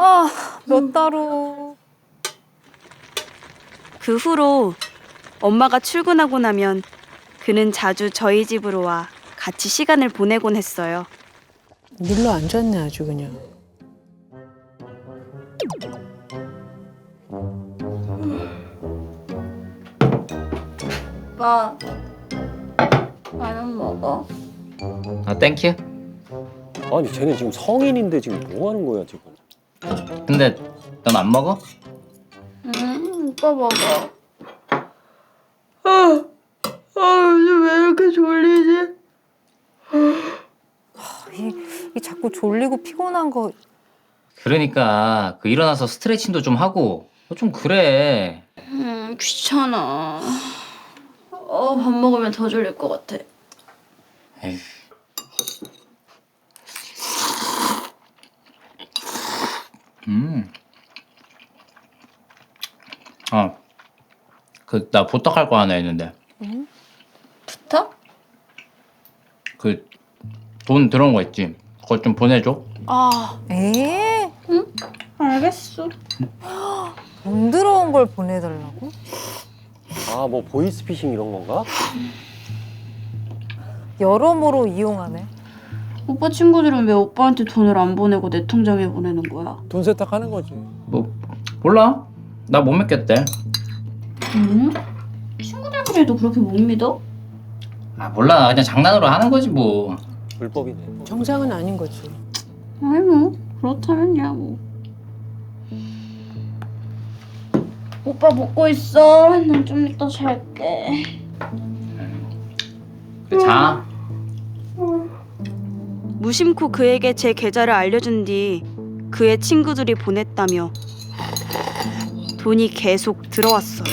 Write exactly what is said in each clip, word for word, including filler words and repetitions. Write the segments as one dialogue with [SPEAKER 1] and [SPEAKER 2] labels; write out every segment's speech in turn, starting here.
[SPEAKER 1] 아, 몇 달후.
[SPEAKER 2] 그 후로 엄마가 출근하고 나면 그는 자주 저희 집으로 와 같이 시간을 보내곤 했어요.
[SPEAKER 3] 눌러 앉았네 아주 그냥.
[SPEAKER 4] 오빠, 라면 먹어.
[SPEAKER 5] 아 땡큐.
[SPEAKER 6] 아니 쟤는 지금 성인인데 지금 뭐 하는 거야 지금?
[SPEAKER 5] 근데 넌 안 먹어?
[SPEAKER 4] 응, 오빠 먹어. 아, 아, 요즘 왜 이렇게 졸리지?
[SPEAKER 1] 이, 이 자꾸 졸리고 피곤한 거.
[SPEAKER 5] 그러니까 그 일어나서 스트레칭도 좀 하고 좀 그래.
[SPEAKER 4] 음, 귀찮아. 어, 밥 먹으면 더 졸릴 것 같아.
[SPEAKER 5] 에휴. 음. 아, 그 나 부탁할 거 하나 있는데.
[SPEAKER 4] 부탁?
[SPEAKER 5] 그 돈 들어온 거 있지? 그거 좀 보내줘.
[SPEAKER 4] 아,
[SPEAKER 1] 에?
[SPEAKER 4] 알겠어.
[SPEAKER 1] 돈 들어온 걸 보내달라고?
[SPEAKER 6] 아 뭐 보이스피싱 이런 건가?
[SPEAKER 1] 여러모로 이용하네.
[SPEAKER 4] 오빠 친구들은 왜 오빠한테 돈을 안 보내고 내 통장에 보내는 거야?
[SPEAKER 7] 돈 세탁하는 거지.
[SPEAKER 5] 뭐 몰라? 나 못 믿겠대.
[SPEAKER 4] 응? 친구들끼리도 그렇게 못 믿어?
[SPEAKER 5] 아 몰라, 그냥 장난으로 하는 거지 뭐.
[SPEAKER 6] 불법이네.
[SPEAKER 3] 정상은 아닌 거지.
[SPEAKER 4] 아니 뭐 그렇다면야 뭐. 오빠 먹고 있어. 난 좀 이따 잘게.
[SPEAKER 5] 그래 자.
[SPEAKER 2] 무심코 그에게 제 계좌를 알려준 뒤 그의 친구들이 보냈다며 돈이 계속 들어왔어요.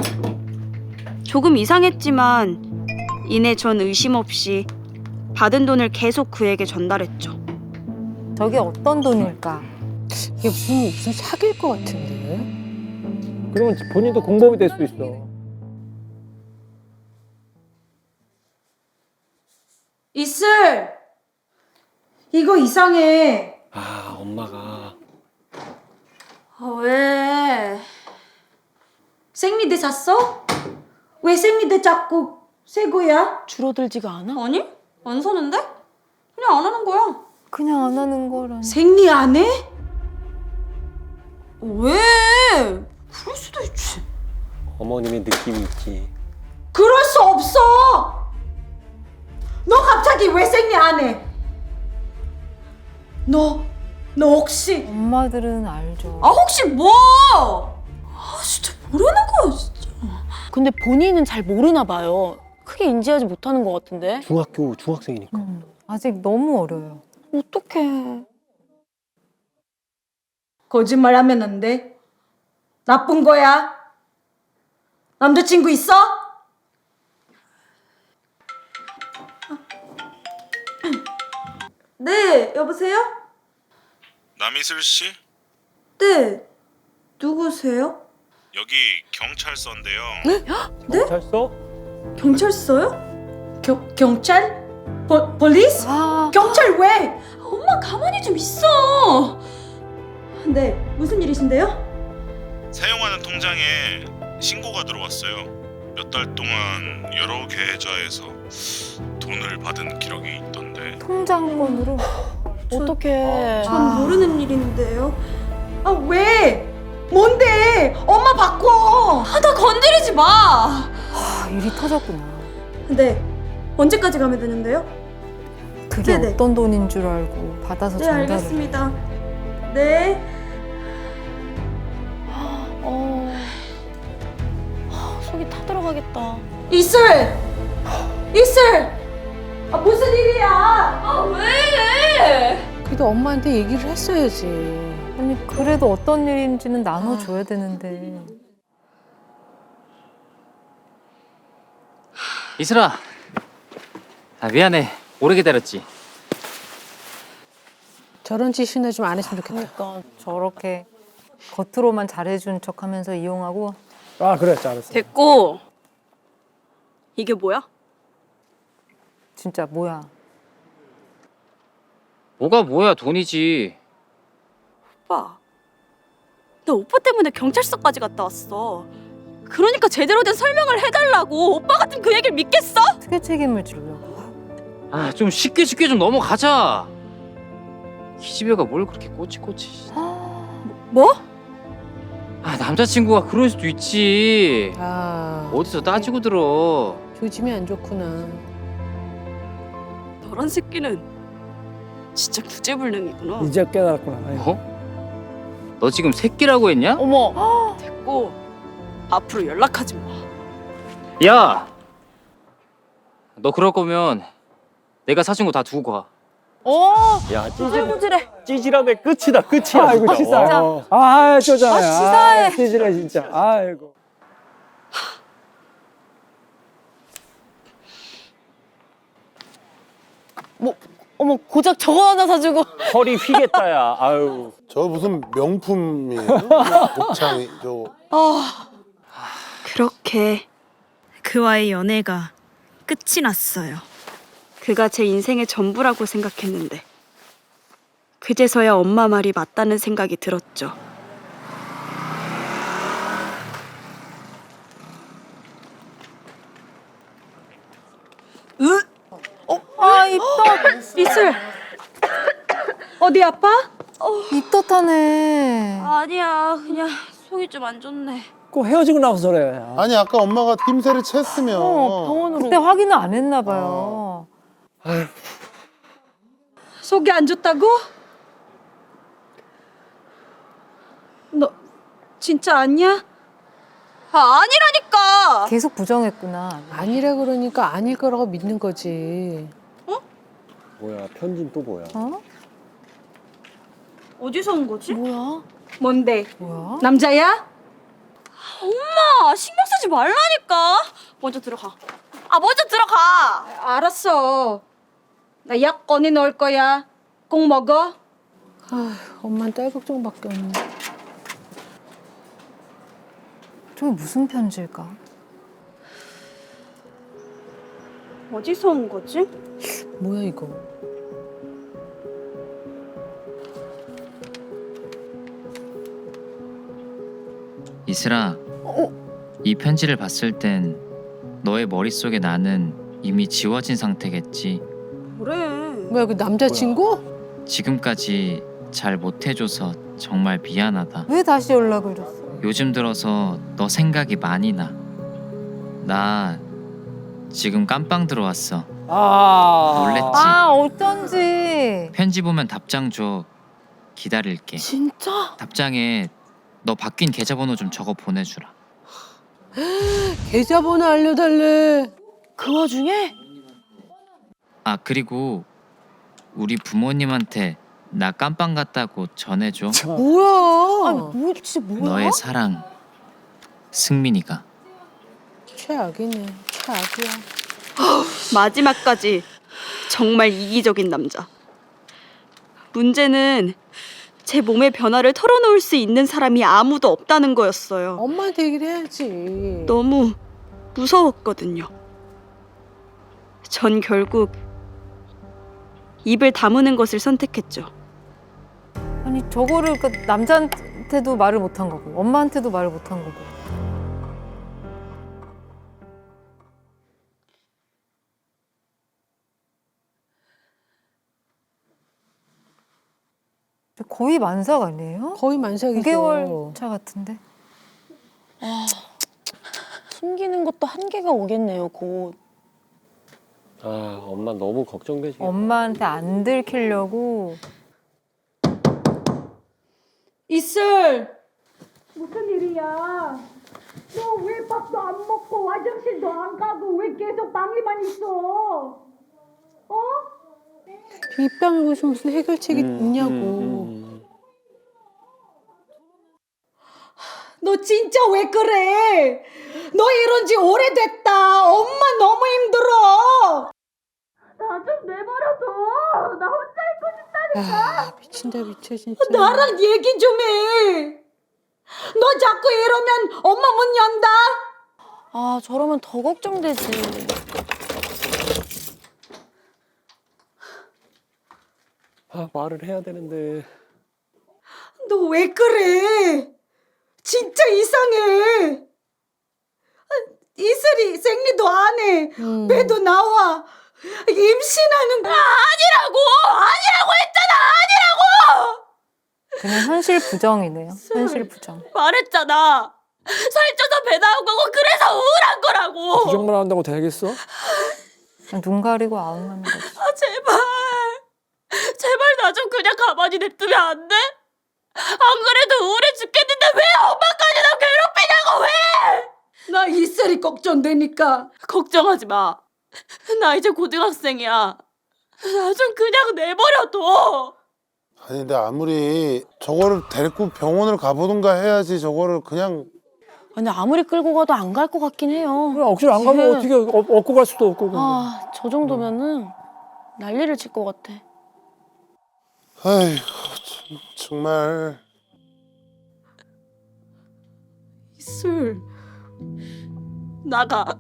[SPEAKER 2] 조금 이상했지만 이내 전 의심 없이 받은 돈을 계속 그에게 전달했죠.
[SPEAKER 1] 저게 어떤 돈일까?
[SPEAKER 3] 이게 무슨 무슨 사기일 것 같은데.
[SPEAKER 7] 그러면 본인도 공범이 될 수 있어.
[SPEAKER 8] 이슬! 이거 이상해.
[SPEAKER 6] 아 엄마가
[SPEAKER 8] 아, 왜? 생리대 샀어? 왜 생리대 자꾸 새 거야?
[SPEAKER 3] 줄어들지가 않아?
[SPEAKER 8] 아니? 안 사는데? 그냥 안 하는 거야.
[SPEAKER 1] 그냥 안 하는 거라니.
[SPEAKER 8] 생리 안 해? 왜? 그럴 수도 있지.
[SPEAKER 6] 어머님의 느낌이 있지.
[SPEAKER 8] 그럴 수 없어! 너 갑자기 왜 생리 안 해? 너, 너 혹시
[SPEAKER 1] 엄마들은 알죠.
[SPEAKER 8] 아 혹시 뭐? 아 진짜 모르는 거야 진짜.
[SPEAKER 9] 근데 본인은 잘 모르나 봐요. 크게 인지하지 못하는 것 같은데.
[SPEAKER 6] 중학교 중학생이니까.
[SPEAKER 1] 음, 아직 너무 어려요.
[SPEAKER 9] 어떡해.
[SPEAKER 8] 거짓말하면 안 돼. 나쁜 거야. 남자친구 있어? 네, 여보세요?
[SPEAKER 10] 남이슬 씨?
[SPEAKER 8] 네, 누구세요?
[SPEAKER 10] 여기 경찰서인데요.
[SPEAKER 8] 네?
[SPEAKER 7] 경찰서?
[SPEAKER 8] 경찰서요? 겨, 경찰? 버, 볼리스?
[SPEAKER 1] 아,
[SPEAKER 8] 경찰 왜? 엄마 가만히 좀 있어. 네, 무슨 일이신데요?
[SPEAKER 10] 사용하는 통장에 신고가 들어왔어요. 몇 달 동안 여러 계좌에서 돈을 받은 기록이 있던데.
[SPEAKER 1] 통장번호로.
[SPEAKER 9] 어떡해.
[SPEAKER 8] 전 모르는 일인데요. 아 왜? 뭔데? 엄마 바꿔. 아, 나 건드리지 마.
[SPEAKER 1] 아, 일이 터졌구나.
[SPEAKER 8] 네. 언제까지 가면 되는데요?
[SPEAKER 1] 그게
[SPEAKER 8] 네네.
[SPEAKER 1] 어떤 돈인 줄 알고 받아서
[SPEAKER 8] 네,
[SPEAKER 1] 전달을.
[SPEAKER 8] 알겠습니다. 네.
[SPEAKER 9] 어... 하, 속이 타들어가겠다.
[SPEAKER 8] 이슬! 이슬! 아, 무슨 일이야? 아, 왜?
[SPEAKER 3] 그래도 엄마한테 얘기를 했어야지.
[SPEAKER 1] 아니, 그래도 어떤 일인지는 나눠줘야 되는데.
[SPEAKER 5] 이슬아. 아 미안해. 오래 기다렸지.
[SPEAKER 3] 저런 짓이나 좀 안 했으면 좋겠다.
[SPEAKER 1] 그러니까 저렇게 겉으로만 잘해준 척하면서 이용하고.
[SPEAKER 7] 아 그래, 잘했어.
[SPEAKER 2] 됐고. 이게 뭐야?
[SPEAKER 1] 진짜 뭐야.
[SPEAKER 5] 뭐가 뭐야, 돈이지.
[SPEAKER 2] 오빠, 나 오빠 때문에 경찰서까지 갔다 왔어. 그러니까 제대로 된 설명을 해달라고. 오빠 같은 그 얘기를 믿겠어?
[SPEAKER 1] 어떻게 책임을 지려고.
[SPEAKER 5] 아 좀 쉽게 쉽게 좀 넘어가자. 기집애가 뭘 그렇게 꼬치꼬치.
[SPEAKER 2] 뭐?
[SPEAKER 5] 아 남자친구가 그럴 수도 있지.
[SPEAKER 3] 아,
[SPEAKER 5] 어디서 따지고 들어.
[SPEAKER 3] 조짐이 안 좋구나.
[SPEAKER 2] 너란 새끼는 진짜 구제불능이구나.
[SPEAKER 7] 이제 깨달았구나. 아이고.
[SPEAKER 5] 어? 너 지금 새끼라고 했냐?
[SPEAKER 9] 어머.
[SPEAKER 2] 됐고 앞으로 연락하지 마.
[SPEAKER 5] 야! 너 그럴 거면 내가 사준 거 다 두고 가.
[SPEAKER 9] 어.
[SPEAKER 6] 야 찌질
[SPEAKER 9] 구질구질해.
[SPEAKER 6] 찌질함의 끝이다 끝이야.
[SPEAKER 7] 아이고
[SPEAKER 6] 진짜.
[SPEAKER 7] 치사.
[SPEAKER 6] 와.
[SPEAKER 7] 아 쪼잔해.
[SPEAKER 1] 아, 치사해.
[SPEAKER 7] 아, 찌질해 진짜. 아이고.
[SPEAKER 9] 뭐 어머 고작 저거 하나 사주고.
[SPEAKER 6] 허리 휘겠다야. 아유.
[SPEAKER 11] 저 무슨 명품이에요? 곱창이 저
[SPEAKER 2] 그렇게 그와의 연애가 끝이 났어요. 그가 제 인생의 전부라고 생각했는데 그제서야 엄마 말이 맞다는 생각이 들었죠. 으!
[SPEAKER 1] 아, 입덧.
[SPEAKER 2] 이슬! 어디 아파?
[SPEAKER 1] 입덧하네.
[SPEAKER 2] 아니야, 그냥 속이 좀 안 좋네.
[SPEAKER 7] 꼭 헤어지고 나서 그래. 아.
[SPEAKER 11] 아니 아까 엄마가 낌새를 챘으면
[SPEAKER 9] 어 병원으로.
[SPEAKER 1] 그때 확인을 안 했나 봐요.
[SPEAKER 8] 속이 안 좋다고? 너 진짜 아니야?
[SPEAKER 2] 아, 아니라니까!
[SPEAKER 1] 계속 부정했구나.
[SPEAKER 3] 아니라 그러니까 아닐 거라고 믿는 거지.
[SPEAKER 6] 뭐야 편지는 또 뭐야?
[SPEAKER 1] 어?
[SPEAKER 2] 어디서 온 거지?
[SPEAKER 9] 뭐야?
[SPEAKER 8] 뭔데?
[SPEAKER 1] 뭐야?
[SPEAKER 8] 남자야?
[SPEAKER 2] 엄마, 신경 쓰지 말라니까! 먼저 들어가. 아, 먼저 들어가!
[SPEAKER 8] 알았어. 나 약 꺼내 넣을 거야. 꼭 먹어.
[SPEAKER 3] 아, 엄마는 딸 걱정밖에 없네.
[SPEAKER 1] 저게 무슨 편지일까?
[SPEAKER 2] 어디서 온 거지?
[SPEAKER 3] 뭐야 이거?
[SPEAKER 5] 이슬아, 이 편지를 봤을 땐 너의 머릿속에 나는 이미 지워진 상태겠지.
[SPEAKER 2] 그래.
[SPEAKER 3] 뭐야 그 남자친구?
[SPEAKER 5] 지금까지 잘 못해줘서 정말 미안하다.
[SPEAKER 1] 왜 다시 연락을 줬어?
[SPEAKER 5] 요즘 들어서 너 생각이 많이 나. 나 지금 깜빵 들어왔어.
[SPEAKER 7] 아.
[SPEAKER 5] 놀랬지?
[SPEAKER 1] 아, 어쩐지.
[SPEAKER 5] 편지 보면 답장 줘. 기다릴게.
[SPEAKER 9] 진짜?
[SPEAKER 5] 답장에 너 바뀐 계좌번호 좀 적어 보내주라.
[SPEAKER 3] 계좌번호 알려달래.
[SPEAKER 9] 그 와중에?
[SPEAKER 5] 아 그리고 우리 부모님한테 나 깜빵 갔다고 전해줘.
[SPEAKER 3] 뭐야?
[SPEAKER 9] 아니 뭐 진짜 뭐야?
[SPEAKER 5] 너의 사랑 승민이가.
[SPEAKER 3] 최악이네. 최악이야.
[SPEAKER 2] 마지막까지 정말 이기적인 남자. 문제는 제 몸의 변화를 털어놓을 수 있는 사람이 아무도 없다는 거였어요.
[SPEAKER 3] 엄마한테 얘기를 해야지.
[SPEAKER 2] 너무 무서웠거든요. 전 결국 입을 다무는 것을 선택했죠.
[SPEAKER 1] 아니, 저거를 그 남자한테도 말을 못한 거고, 엄마한테도 말을 못한 거고. 거의 만삭 아니에요?
[SPEAKER 3] 거의 만삭이죠.
[SPEAKER 1] 구 개월 차 같은데.
[SPEAKER 9] 숨기는 것도 한계가 오겠네요 곧.
[SPEAKER 6] 아 엄마 너무 걱정되지.
[SPEAKER 1] 엄마한테 안 들키려고.
[SPEAKER 8] 이슬! 무슨 일이야? 너 왜 밥도 안 먹고 화장실도 안 가고 왜 계속 방에만 있어? 어?
[SPEAKER 3] 입방을 보시 무슨 해결책이
[SPEAKER 6] 음,
[SPEAKER 3] 있냐고.
[SPEAKER 6] 음, 음.
[SPEAKER 8] 너 진짜 왜 그래? 너 이런 지 오래됐다. 엄마 너무 힘들어. 나 좀 내버려둬. 나 혼자 있고 싶다니까.
[SPEAKER 3] 아, 미친다 미쳐 진짜.
[SPEAKER 8] 나랑 얘기 좀 해. 너 자꾸 이러면 엄마 문 연다.
[SPEAKER 9] 아 저러면 더 걱정되지.
[SPEAKER 6] 아 말을 해야 되는데.
[SPEAKER 8] 너 왜 그래? 진짜 이상해. 이슬이 생리도 안 해.
[SPEAKER 3] 음.
[SPEAKER 8] 배도 나와. 임신하는 거 아니라고! 아니라고 했잖아! 아니라고!
[SPEAKER 1] 그냥 현실 부정이네요. 현실 부정.
[SPEAKER 4] 말했잖아. 살쪄서 배 나온 거고 그래서 우울한 거라고.
[SPEAKER 7] 부정만 한다고 되겠어?
[SPEAKER 1] 그냥 눈 가리고 아웅하는 거지.
[SPEAKER 4] 아 제발. 제발 나 좀 그냥 가만히 냅두면 안 돼? 안 그래도 우울해 죽겠는데 왜 엄마까지 나 괴롭히냐고 왜?
[SPEAKER 8] 나 이슬이 걱정되니까.
[SPEAKER 4] 걱정하지 마. 나 이제 고등학생이야. 나 좀 그냥 내버려둬.
[SPEAKER 11] 아니 근데 아무리 저거를 데리고 병원을 가보든가 해야지 저거를 그냥
[SPEAKER 9] 근데 아무리 끌고 가도 안 갈 것 같긴 해요.
[SPEAKER 7] 그래, 억지로 안 가면
[SPEAKER 9] 지금-
[SPEAKER 7] 어떻게 업- 업고 갈 수도 없고. 근데.
[SPEAKER 9] 아, 저 정도면은 난리를 칠 것 같아.
[SPEAKER 11] 아이고 참, 정말
[SPEAKER 4] 이슬 나가.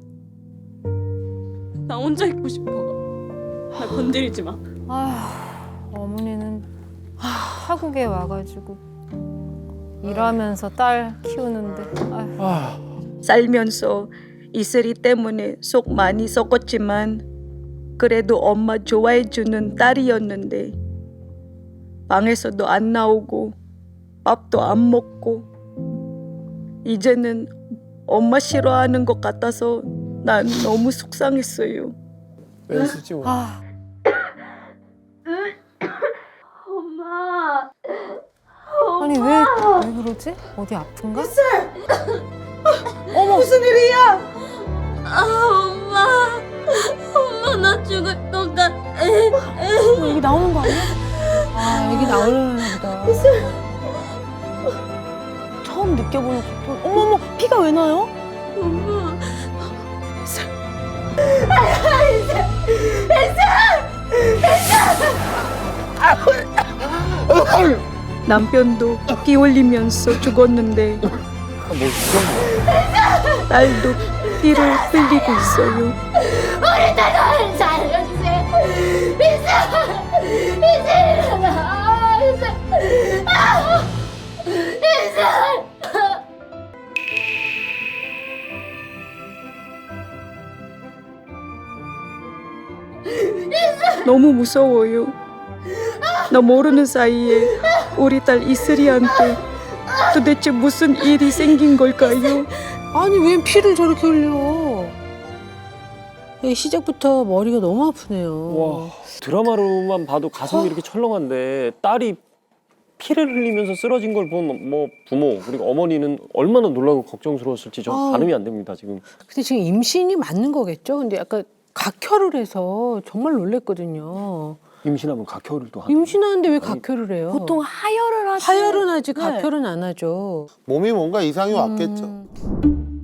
[SPEAKER 4] 나 혼자 있고 싶어. 나 건드리지 마.
[SPEAKER 1] 아휴, 어머니는 타국에 와가지고 일하면서 딸 키우는데. 아휴.
[SPEAKER 7] 아,
[SPEAKER 8] 살면서 이슬이 때문에 속 많이 썩었지만 그래도 엄마 좋아해주는 딸이었는데 방에서도 안 나오고 밥도 안 먹고 이제는 엄마 싫어하는 것 같아서 난 너무 속상했어요.
[SPEAKER 7] 웬수지 뭐.
[SPEAKER 1] 아,
[SPEAKER 4] 엄마.
[SPEAKER 1] 아니 왜, 왜 그러지? 어디 아픈가?
[SPEAKER 8] 어머 무슨 일이야?
[SPEAKER 4] 아 엄마. 엄마 나 죽을 것 같아.
[SPEAKER 9] 어, 여기 나오는 거 아니야?
[SPEAKER 3] 아, 여기 나오려나 보다.
[SPEAKER 9] 처음 느껴보는 고통. 어머머, 피가 왜 나요?
[SPEAKER 4] 엄마.
[SPEAKER 8] 남편도 피 흘리면서 죽었는데
[SPEAKER 7] 뭐 그런
[SPEAKER 8] 딸도 피를 흘리고 있어요.
[SPEAKER 4] 우리 딸을 살려주세요. 이슬. 이슬 일어나. 이슬. 아, 이슬.
[SPEAKER 8] 너무 무서워요. 나 모르는 사이에 우리 딸 이슬이한테 도대체 무슨 일이 생긴 걸까요?
[SPEAKER 3] 아니, 웬 피를 저렇게 흘려. 이 시작부터 머리가 너무 아프네요.
[SPEAKER 6] 와 드라마로만 봐도 가슴이 이렇게 철렁한데 딸이 피를 흘리면서 쓰러진 걸 본 뭐 부모 그리고 어머니는 얼마나 놀라고 걱정스러웠을지 저
[SPEAKER 3] 아.
[SPEAKER 6] 가늠이 안 됩니다 지금.
[SPEAKER 3] 근데 지금 임신이 맞는 거겠죠? 근데 약간 각혈을 해서 정말 놀랬거든요.
[SPEAKER 6] 임신하면 각혈을 또 하죠.
[SPEAKER 3] 임신하는데 왜 각혈을 해요?
[SPEAKER 9] 보통 하혈을 하지.
[SPEAKER 3] 하혈은 하지
[SPEAKER 9] 네.
[SPEAKER 3] 각혈은 안 하죠.
[SPEAKER 11] 몸이 뭔가 이상이
[SPEAKER 3] 음.
[SPEAKER 11] 왔겠죠.